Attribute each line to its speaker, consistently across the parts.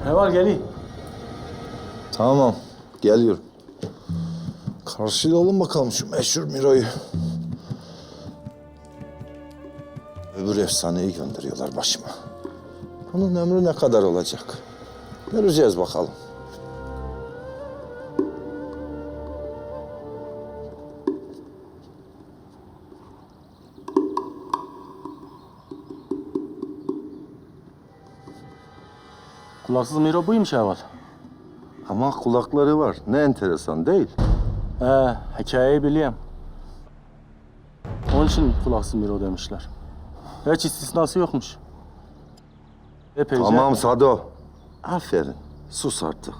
Speaker 1: Ne var geleyim?
Speaker 2: Tamam, geliyorum. Karşılayalım bakalım şu meşhur Miro'yu. Öbür efsaneyi gönderiyorlar başıma. Bunun ömrü ne kadar olacak? Göreceğiz bakalım.
Speaker 1: Kulaksız Miro buymuş Heval.
Speaker 2: Ama kulakları var. Ne enteresan değil.
Speaker 1: Hikayeyi biliyorum. Onun için kulaksız Miro demişler. Hiç istisnası yokmuş. Epeyce...
Speaker 2: Tamam Sado. Aferin. Sus artık.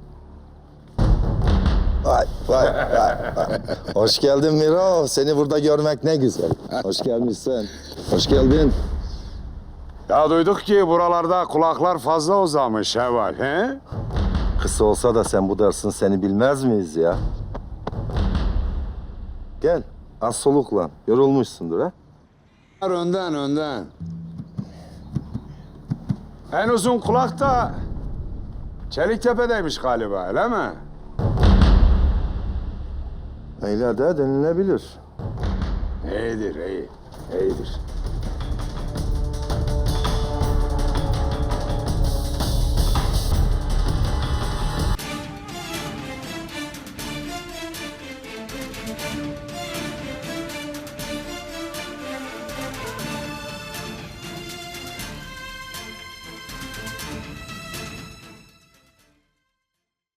Speaker 2: Vay. Hoş geldin Miro. Seni burada görmek ne güzel. Hoş gelmişsin. Hoş geldin.
Speaker 3: Ya duyduk ki buralarda kulaklar fazla uzamış Heval, he?
Speaker 2: Kısa olsa da sen bu dersin seni bilmez miyiz ya? Gel. Az soluklan. Yorulmuşsundur ha?
Speaker 3: Önden. En uzun kulak da Çeliktepe'deymiş galiba, öyle mi?
Speaker 2: Öyle de denilebilir.
Speaker 3: İyidir.